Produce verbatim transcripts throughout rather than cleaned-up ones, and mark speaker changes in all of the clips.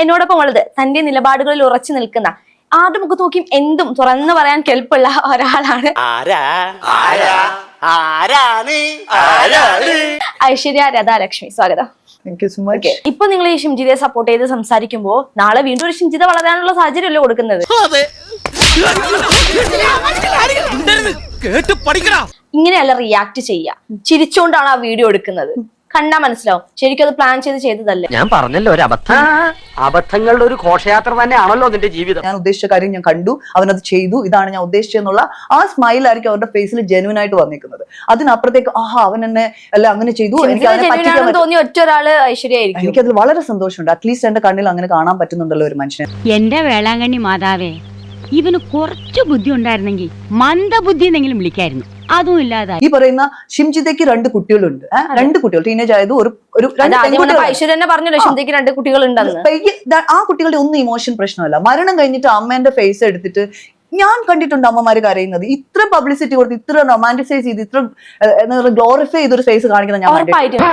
Speaker 1: എന്നോടൊപ്പം ഉള്ളത് തന്റെ നിലപാടുകളിൽ ഉറച്ചു നിൽക്കുന്ന ആരുടെ മുഖത്ത് നോക്കിയും എന്തും തുറന്നു പറയാൻ കെൽപ്പുള്ള ഒരാളാണ് ഐശ്വര്യ രാധാലക്ഷ്മി. സ്വാഗതം. ഇപ്പൊ നിങ്ങൾ ഈ ഷിംജിതയെ സപ്പോർട്ട് ചെയ്ത് സംസാരിക്കുമ്പോ നാളെ വീണ്ടും ഒരു ഷിംജിത വളരാനുള്ള സാഹചര്യമല്ലേ കൊടുക്കുന്നത്? ഇങ്ങനെയല്ല റിയാക്ട് ചെയ്യുക. ചിരിച്ചുകൊണ്ടാണ് ആ വീഡിയോ എടുക്കുന്നത്. കണ്ടാ മനസ്സിലാവും ശരിക്കും അത് പ്ലാൻ ചെയ്ത് ചെയ്തതല്ലേ.
Speaker 2: ഞാൻ പറഞ്ഞല്ലോ ഒരു അബദ്ധം. അബദ്ധങ്ങളുടെ ഒരു ഘോഷയാത്ര തന്നെയാണല്ലോ നിന്റെ ജീവിതം.
Speaker 3: ഞാൻ ഉദ്ദേശിച്ച കാര്യം ഞാൻ കണ്ടു, അവനത് ചെയ്തു, ഇതാണ് ഞാൻ ഉദ്ദേശിച്ചെന്നുള്ള ആ സ്മൈൽ ആയിരിക്കും അവരുടെ ഫേസിൽ ജെന്യൂൻ ആയിട്ട് വന്നിരിക്കുന്നത്. അതിനപ്പുറത്തേക്ക് ആഹാ അവൻ എന്നെ അല്ല അങ്ങനെ ചെയ്തു, എനിക്ക്
Speaker 1: തോന്നിയ ഒറ്റ ഒരാള് ഐശ്വര്യായിരിക്കും.
Speaker 3: എനിക്കതിൽ വളരെ സന്തോഷമുണ്ട്. അറ്റ്ലീസ്റ്റ് എന്റെ കണ്ണിൽ അങ്ങനെ കാണാൻ പറ്റുന്നുണ്ടല്ലോ ഒരു മനുഷ്യനെ.
Speaker 4: എന്റെ വേളാങ്കണ്ണി മാതാവേ, ഇവന് കുറച്ചു ബുദ്ധി ഉണ്ടായിരുന്നെങ്കിൽ മന്ദബുദ്ധി എന്നെങ്കിലും വിളിക്കായിരുന്നു. അതും ഇല്ലാതെ
Speaker 3: ഈ പറയുന്ന ഷിംജിതയ്ക്ക് രണ്ട് കുട്ടികളുണ്ട്. രണ്ട് കുട്ടികൾ ടീനേജ് ആയത് ഒരു
Speaker 1: ഐശ്വര്യ പറഞ്ഞല്ലോ ഷിംജിതയ്ക്ക് രണ്ട് കുട്ടികളുണ്ടെന്ന്.
Speaker 3: ആ കുട്ടികളുടെ ഒന്നും ഇമോഷൻ പ്രശ്നമല്ല. മരണം കഴിഞ്ഞിട്ട് അമ്മേന്റെ ഫേസ് എടുത്തിട്ട് ഞാൻ കണ്ടിട്ടുണ്ട് അമ്മമാര് കരയുന്നത്. ഇത്ര പബ്ലിസിറ്റി കൊടുത്ത് ഇത്ര റൊമാൻറ്റിസൈസ് ചെയ്ത് ഇത്ര ഗ്ലോറിഫൈ ചെയ്തൊരു ഫേസ് കാണിക്കുന്ന ഞാൻ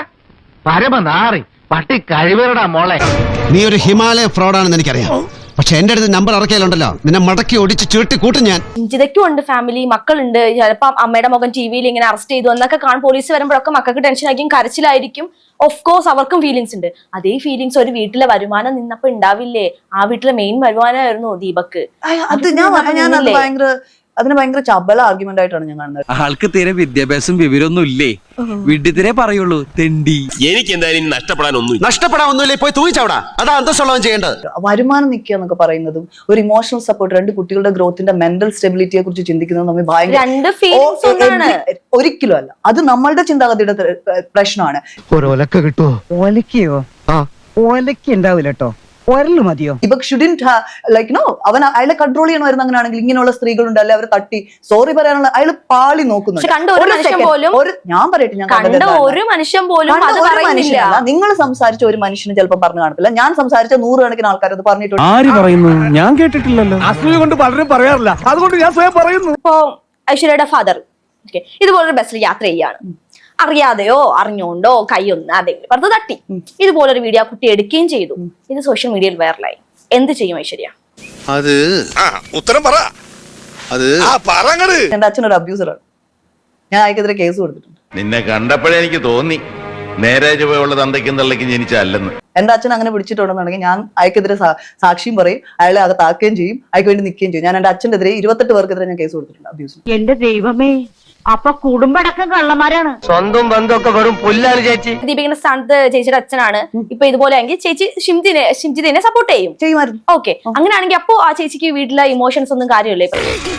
Speaker 5: നീ ഒരു ഹിമാലയ ഫ്രോഡാണെന്ന് എനിക്കറിയാം. പക്ഷെ എന്റെ അടുത്ത് നമ്പർ ഇറക്കിയാലുണ്ടല്ലോ നിന്നെ മടക്കി ഒടിച്ച് ചുരുട്ടി കൂട്ടും ഞാൻ.
Speaker 1: ഷിംജിതയ്ക്കും ഉണ്ട് ഫാമിലി, മക്കളുണ്ട്. ചിലപ്പം അമ്മയുടെ മകൻ ടി വിയിൽ ഇങ്ങനെ അറസ്റ്റ് ചെയ്തു എന്നൊക്കെ കാണും. പോലീസ് വരുമ്പോഴൊക്കെ മക്കൾക്ക് ടെൻഷൻ ആയിരിക്കും, കരച്ചിലായിരിക്കും. ഓഫ് കോഴ്സ് അവർക്കും ഫീലിങ്സ് ഉണ്ട്. അതേ ഫീലിങ്സ് ഒരു വീട്ടിലെ വരുമാനം നിന്നപ്പോ ഉണ്ടാവില്ലേ? ആ വീട്ടിലെ മെയിൻ വരുമാനമായിരുന്നു ദീപക്ക്.
Speaker 3: അത് ഞാൻ ഞാൻ ഭയങ്കര അതിന് ഭയങ്കര ചബല ആർഗ്യുമെന്റ് ആയിട്ടാണ് ഞാൻ കാണുന്നത്.
Speaker 6: ആൾക്ക് തീരെ വിദ്യാഭ്യാസം വിവരമൊന്നും ഇല്ലേ? വിഡ്ഢിത്തിരെ പറയുള്ളൂ, തെണ്ടി.
Speaker 7: എനിക്ക് എന്തായാലും നഷ്ടപ്പെടാൻ ഒന്നും
Speaker 5: നഷ്ടപ്പെടാൻ ഒന്നുമില്ല. പോയി തൂങ്ങിച്ചവിടാ. അതാ അന്തസ്സുള്ളവൻ ചെയ്യേണ്ടത്.
Speaker 3: വരുമാനം നിൽക്കുക എന്നൊക്കെ പറയുന്നതും ഒരു ഇമോഷണൽ സപ്പോർട്ട്, രണ്ട് കുട്ടികളുടെ ഗ്രോത്തിന്റെ മെന്റൽ സ്റ്റെബിലിറ്റിയെ കുറിച്ച് ചിന്തിക്കുന്നത് നമ്മൾ ഭയങ്കര ഒരിക്കലും അല്ല. അത് നമ്മളുടെ ചിന്താഗതിയുടെ പ്രശ്നമാണ്.
Speaker 8: ഒലക്ക കിട്ടുമോ? ഒലക്കയോ? ഒലക്ക ഉണ്ടാവില്ല കേട്ടോ, ഒരല് മതിയോ?
Speaker 3: ഇപ്പൊ ഷുഡിന്റ് ലൈക്ക് നോ അവൻ അയാളെ കൺട്രോൾ ചെയ്യണമായിരുന്നു. അങ്ങനെയാണെങ്കിൽ ഇങ്ങനെയുള്ള സ്ത്രീകളുണ്ട് അല്ലെ, അവരെ തട്ടി സോറി പറയാനുള്ള അയാൾ പാളി നോക്കുന്നുണ്ട്. ഞാൻ പറയട്ടെ, ഞാൻ
Speaker 1: ഒരു മനുഷ്യൻ പോലും
Speaker 3: നിങ്ങൾ സംസാരിച്ച ഒരു മനുഷ്യന് ചിലപ്പോൾ പറഞ്ഞു കാണത്തില്ല. ഞാൻ സംസാരിച്ച നൂറുകണക്കിന് ആൾക്കാർ അത് പറഞ്ഞിട്ടുണ്ട്.
Speaker 6: ആര് പറയുന്നു? ഞാൻ കേട്ടിട്ടില്ലല്ലോ. അസൂയ കൊണ്ട് പലരും പറയാറില്ല, അതുകൊണ്ട് ഞാൻ സ്വയം പറയുന്നു.
Speaker 1: ഇപ്പൊ ഐശ്വര്യയുടെ ഫാദർ ഇതുപോലൊരു ബസ്സിൽ യാത്ര ചെയ്യാണ്. അറിയാതെയോ അറിഞ്ഞോണ്ടോ കൈയൊന്ന് അതെങ്കിലും പറഞ്ഞത് തട്ടി. ഇതുപോലൊരു വീഡിയോ കുട്ടി എടുക്കുകയും ചെയ്തു. ഇത് സോഷ്യൽ മീഡിയയിൽ വൈറലായി. എന്ത് ചെയ്യും ഐശ്വര്യ?
Speaker 7: അത് ഉത്തരം പറ. അത്
Speaker 3: എന്റെ അച്ഛനൊരു അബ്യൂസറാണ്. ഞാൻ അയക്കെതിരെ കേസ് കൊടുത്തിട്ടുണ്ട്.
Speaker 7: നിന്നെ കണ്ടപ്പോഴേ എനിക്ക് തോന്നി നേരെ ചുവയുള്ള തന്തയ്ക്കും തള്ളയ്ക്കും ജനിച്ചല്ലെന്ന്.
Speaker 3: എന്റെ അച്ഛൻ അങ്ങനെ പിടിച്ചിട്ടുണ്ടെന്നുണ്ടെങ്കിൽ ഞാൻ അയക്കെതിരെ സാക്ഷിയും പറയും, അയാളെ അകത്താക്കുകയും ചെയ്യും, അയക്ക് വേണ്ടി നിൽക്കുകയും ചെയ്യും. ഞാൻ എന്റെ അച്ഛൻ്റെ എതിരെ ഇരുപത്തെട്ട് പേർക്കെതിരെ ഞാൻ കേസ് കൊടുത്തിട്ടുണ്ട് അബ്യൂസ്.
Speaker 4: എന്റെ ദൈവമേ, അപ്പൊ കുടുംബടക്കം കള്ളന്മാരാണ്.
Speaker 2: സ്വന്തം ബന്ധമൊക്കെ വെറും പുല്ലാണ് ചേച്ചി.
Speaker 1: ദീപികയുടെ സ്ഥാനത്ത് ചേച്ചിയുടെ അച്ഛനാണ്. ഇപ്പൊ ഇതുപോലെ ആണെങ്കിൽ ചേച്ചി ഷിംജിനെ ഷിംജിതിനെ സപ്പോർട്ട് ചെയ്യും
Speaker 3: ചെയ്യുമായിരുന്നു.
Speaker 1: ഓക്കെ, അങ്ങനെയാണെങ്കിൽ അപ്പോ ആ ചേച്ചിക്ക് വീട്ടിലെ ഇമോഷൻസ് ഒന്നും കാര്യമില്ലേ?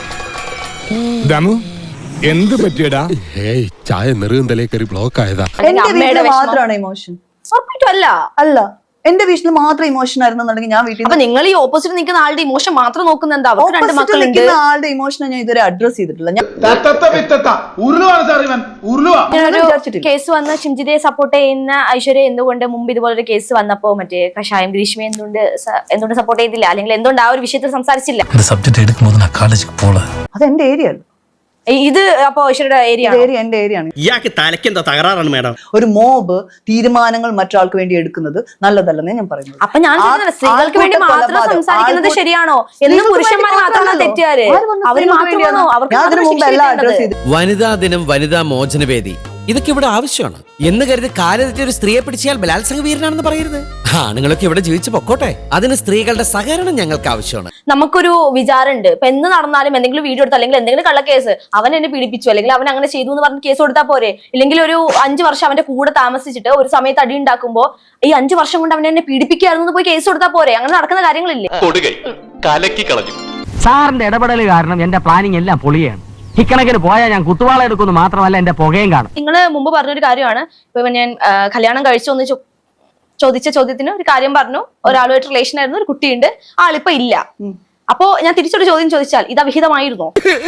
Speaker 9: എന്ത് പറ്റിയടാ? ചായ നെറുകന്തലേ കയറി ബ്ലോക്ക് ആയതാ.
Speaker 3: മാത്രമാണ് ഇമോഷൻ?
Speaker 1: അല്ല
Speaker 3: അല്ല എന്റെ വീട്ടിൽ മാത്രം ഇമോഷൻ ആയിരുന്നുണ്ടെങ്കിൽ ഞാൻ വീട്ടിൽ.
Speaker 1: അപ്പൊ നിങ്ങൾ ഈ ഓപ്പോസിറ്റ് നിൽക്കുന്ന ആളുടെ ഇമോഷൻ മാത്രം നോക്കുന്നത്?
Speaker 3: ആളുടെ ഇമോഷനെ ഞാൻ ഇതുവരെ അഡ്രസ് ചെയ്തിട്ടില്ല.
Speaker 1: കേസ് വന്ന ഷിംജിതയെ സപ്പോർട്ട് ചെയ്യുന്ന ഐശ്വര്യ എന്തുകൊണ്ട് മുമ്പ് ഇതുപോലൊരു കേസ് വന്നപ്പോ മറ്റേ കഷായം ഗ്രീഷ്മ എന്തുകൊണ്ട് എന്തുകൊണ്ട് സപ്പോർട്ട് ചെയ്തില്ല? അല്ലെങ്കിൽ എന്തുകൊണ്ട് ആ ഒരു വിഷയത്തിൽ സംസാരിച്ചില്ല?
Speaker 3: അത് എന്റെ ഏരിയ അല്ല.
Speaker 1: ഇത് അപ്പൊ ഐശ്വര്യയുടെ ഏരിയ
Speaker 3: എന്റെ ഏരിയ ആണ്.
Speaker 6: ഇയാൾക്ക് തലയ്ക്ക് എന്താ തകരാറാണ് മേഡം?
Speaker 3: ഒരു മോബ് തീരുമാനങ്ങൾ മറ്റൊരാൾക്ക് വേണ്ടി എടുക്കുന്നത് നല്ലതല്ലെന്നേ ഞാൻ പറയുന്നത്.
Speaker 1: അപ്പൊ ഞാൻ സ്ത്രീകൾക്ക് വേണ്ടി മാത്രം സംസാരിക്കുന്നത് ശരിയാണോ? എന്നും പുരുഷന്മാർ മാത്രമാണ് തെറ്റുകാര്. അവർ മാത്രമാണോ? അവർക്ക്
Speaker 10: വനിതാ ദിനം, വനിതാ മോചനവേദി, ഇതൊക്കെ ഇവിടെ ആവശ്യമാണ് എന്ന് കരുതി കാലെത്തി ഒരു സ്ത്രീയെ പിടിച്ചാൽ ബലാത്സംഗ വീരനാണെന്ന് പറയരുത്. ആണുങ്ങളൊക്കെ ഇവിടെ ജീവിച്ചു പൊക്കോട്ടെ. അതിന് സ്ത്രീകളുടെ സഹകരണം ഞങ്ങൾക്ക് ആവശ്യമാണ്.
Speaker 1: നമുക്കൊരു വിചാരമുണ്ട്. ഇപ്പൊ എന്ന് നടന്നാലും എന്തെങ്കിലും വീഡിയോ എടുത്ത് അല്ലെങ്കിൽ എന്തെങ്കിലും കള്ളക്കേസ് അവൻ എന്നെ പീഡിപ്പിച്ചു അല്ലെങ്കിൽ അവൻ അങ്ങനെ ചെയ്തു എന്ന് പറഞ്ഞ് കേസ് കൊടുത്താൽ പോരെ? ഇല്ലെങ്കിൽ ഒരു അഞ്ചു വർഷം അവന്റെ കൂടെ താമസിച്ചിട്ട് ഒരു സമയത്ത് അടി ഉണ്ടാക്കുമ്പോ ഈ അഞ്ചു വർഷം കൊണ്ട് അവൻ എന്നെ പീഡിപ്പിക്കായിരുന്നു പോയി കേസ് കൊടുത്താൽ പോരെ? അങ്ങനെ നടക്കുന്ന കാര്യങ്ങളില്ലേ?
Speaker 2: സാറിന്റെ ഇടപെടൽ കാരണം എന്റെ പ്ലാനിങ് എല്ലാം പൊളിയാണ്. ഇക്കണക്കിന് പോയാൽ ഞാൻ കുത്തുവാള എടുക്കുന്നു മാത്രമല്ല എന്റെ പുകയും കാണും.
Speaker 1: നിങ്ങള് മുമ്പ് പറഞ്ഞൊരു കാര്യമാണ്. ഇപ്പൊ ഞാൻ കല്യാണം കഴിച്ചു എന്ന് ചോദിച്ച ചോദ്യത്തിന് ഒരു കാര്യം പറഞ്ഞു. ഒരാളുമായിട്ട് റിലേഷൻ ആയിരുന്നു, ഒരു കുട്ടിയുണ്ട്, ആളിപ്പോ ഇല്ല. അപ്പോ ഞാൻ തിരിച്ചൊരു ചോദ്യം ചോദിച്ചാൽ ഇത് അവിഹിതമായിരുന്നോ?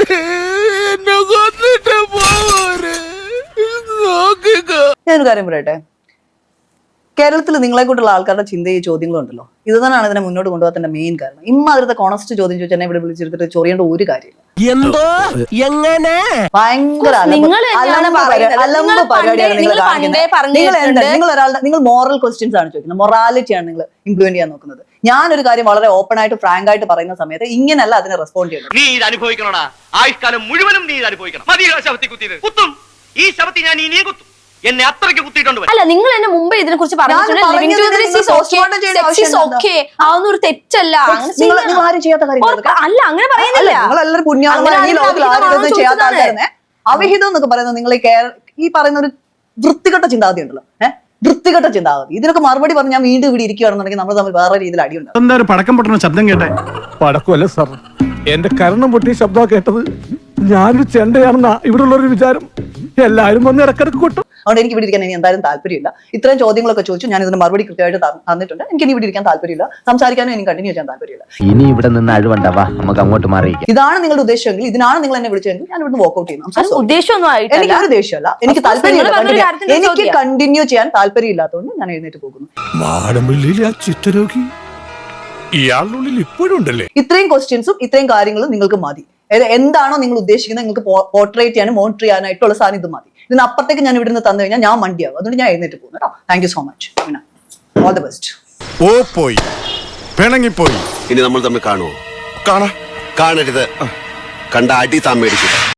Speaker 3: ഞാനൊരു കാര്യം പറയട്ടെ, കേരളത്തിൽ നിങ്ങളെ കൊണ്ടുള്ള ആൾക്കാരുടെ ചിന്തയെ ചോദ്യങ്ങളുണ്ടല്ലോ, ഇത് തന്നെയാണ് ഇതിനെ മുന്നോട്ട് കൊണ്ടുപോകാത്തതിന്റെ മെയിൻ കാരണം. ഇമ്മാതിരത്തെ കോണസ്റ്റ് ചോദ്യം ചോദിച്ചാൽ എന്നെ ഇവിടെ വിളിച്ചെടുത്തിട്ട് ചൊറിയേണ്ട ഒരു കാര്യമില്ല.
Speaker 10: എന്തോ എങ്ങനെ
Speaker 3: ഭയങ്കര അലമ്പ് പരിപാടിയാണ് നിങ്ങൾ കാണിക്കുന്നത്. നിങ്ങൾ എന്താ നിങ്ങൾ ഒരാളുടെ നിങ്ങൾ മോറൽ ക്വസ്റ്റ്യൻസ് ആണ് ചോദിക്കുന്നത്, മൊറാലിറ്റി ആണ് നിങ്ങൾ ഇംപ്ലിമെന്റ് ചെയ്യാൻ നോക്കുന്നത്. ഞാനൊരു കാര്യം വളരെ ഓപ്പൺ ആയിട്ട് ഫ്രാങ്ക് ആയിട്ട് പറയുന്ന സമയത്ത് ഇങ്ങനെയല്ല അതിനെ റെസ്പോണ്ട് ചെയ്യുന്നത്.
Speaker 2: നീ ഇത് അനുഭവിക്കണോടാ, ആയുഷ്കാലം മുഴുവനും നീ ഇത് അനുഭവിക്കണം. മതി ശവത്തി കുത്തിയത് കുത്തും, ഈ ശവത്തി ഞാൻ ഇനിയും കുത്തും, എന്നെ അത്രയ്ക്ക് കുത്തിയിട്ടുണ്ട്.
Speaker 1: അല്ല, നിങ്ങൾ എന്നെ മുമ്പേ ഇതിനെ കുറിച്ച് പറഞ്ഞിട്ടുണ്ട്. അതൊന്നും ഒരു തെറ്റല്ല.
Speaker 3: നിങ്ങൾ നിങ്ങൾ ആരും ചെയ്യാത്ത കാര്യം
Speaker 1: അല്ല, അങ്ങനെ പറയുന്നില്ല.
Speaker 3: നിങ്ങളെല്ലാവരും പുണ്യാളന്മാരാണ്, ഈ ലോകത്തിൽ ആരും ഇതൊന്നും ചെയ്യാത്ത ആൾക്കാരെ. അവിഹിതം എന്നൊക്കെ പറയുന്നത് നിങ്ങൾ ഈ പറയുന്ന ഒരു വൃത്തികെട്ട ചിന്താഗതി ഉണ്ടല്ലോ, ഏഹ് വൃത്തികെട്ട ചിന്താഗതി. ഇതിനൊക്കെ മറുപടി പറഞ്ഞ് ഞാൻ വീണ്ടും ഇവിടെ ഇരിക്കുകയാണെന്നുണ്ടെങ്കിൽ നമ്മൾ തമ്മിൽ വേറെ രീതിയിൽ അടിയുണ്ടാവും.
Speaker 6: എന്താ ഒരു പടക്കം പൊട്ടുന്ന ശബ്ദം കേട്ടെ? പടക്കമല്ല സാർ, എന്റെ കരണം പൊട്ടിയ ശബ്ദം കേട്ടത്. ഞാനൊരു ചെണ്ടയാണെന്നാ ഇവിടെ ഉള്ളൊരു വിചാരം. എല്ലാവരും വന്ന് ഇടക്കിടക്ക് കൊട്ടും.
Speaker 3: അതുകൊണ്ട് എനിക്ക് ഇവിടെ ഇരിക്കാൻ ഇനി എന്തായാലും താല്പര്യമില്ല. ഇത്രയും ചോദ്യങ്ങളൊക്കെ ചോദിച്ചു, ഞാൻ ഇതിന് മറുപടി കൃത്യമായിട്ട് തന്നിട്ടുണ്ട്. എനിക്ക് ഇനി ഇവിടെ ഇരിക്കാൻ താല്പര്യമില്ല, സംസാരിക്കാനും എനിക്ക് കണ്ടിന്യൂ ചെയ്യാൻ താല്പര്യമില്ല.
Speaker 2: ഇനി ഇവിടെ നിന്ന് അഴിവണ്ടാവാ, നമുക്ക് അങ്ങോട്ട് മാറി.
Speaker 3: ഇതാണ് നിങ്ങളുടെ ഉദ്ദേശമെങ്കിൽ, ഇതിനാണ് നിങ്ങൾ എന്നെ വിളിച്ചതെങ്കിൽ ഞാൻ ഇവിടുന്ന് വോക്കൗട്ട് ചെയ്യുന്നു.
Speaker 1: ഉദ്ദേശമൊന്നും
Speaker 3: എനിക്ക് ഒരു ദേഷ്യമല്ല, എനിക്ക് താല്പര്യമില്ല, എനിക്ക് കണ്ടിന്യൂ ചെയ്യാൻ താല്പര്യമില്ലാത്തതുകൊണ്ട് ഞാൻ എഴുന്നേറ്റ് പോകുന്നു.
Speaker 9: മാടമ്പള്ളിയിലെ ആ ചിത്തരോഗി ഇയാളുള്ളിൽ ഇപ്പോഴും ഉണ്ടല്ലേ?
Speaker 3: ഇത്രയും ക്വസ്റ്റ്യൻസും ഇത്രയും കാര്യങ്ങളും നിങ്ങൾക്ക് മതി. എന്താണോ നിങ്ങൾ ഉദ്ദേശിക്കുന്നത്, നിങ്ങൾക്ക് പോർട്രേറ്റ് ചെയ്യാനും മോണിറ്റർ ചെയ്യാനായിട്ടുള്ള സാധനം ഇത് മതി. ഇതിനപ്പുറത്തേക്ക് ഞാൻ ഇവിടുന്ന് തന്നു കഴിഞ്ഞാൽ ഞാൻ മണ്ടിയാവും. അതുകൊണ്ട് ഞാൻ എഴുന്നേറ്റ് പോകുന്നു കേട്ടോ. Thank you so much. All the best.
Speaker 9: ഓ പോയി പിണങ്ങിപ്പോയി.
Speaker 5: ഇനി നമ്മൾ തമ്മിൽ കാണുമോ?
Speaker 9: കാണാ
Speaker 5: കാണരുത്. കണ്ട അടി താൻ മേടിക്കും.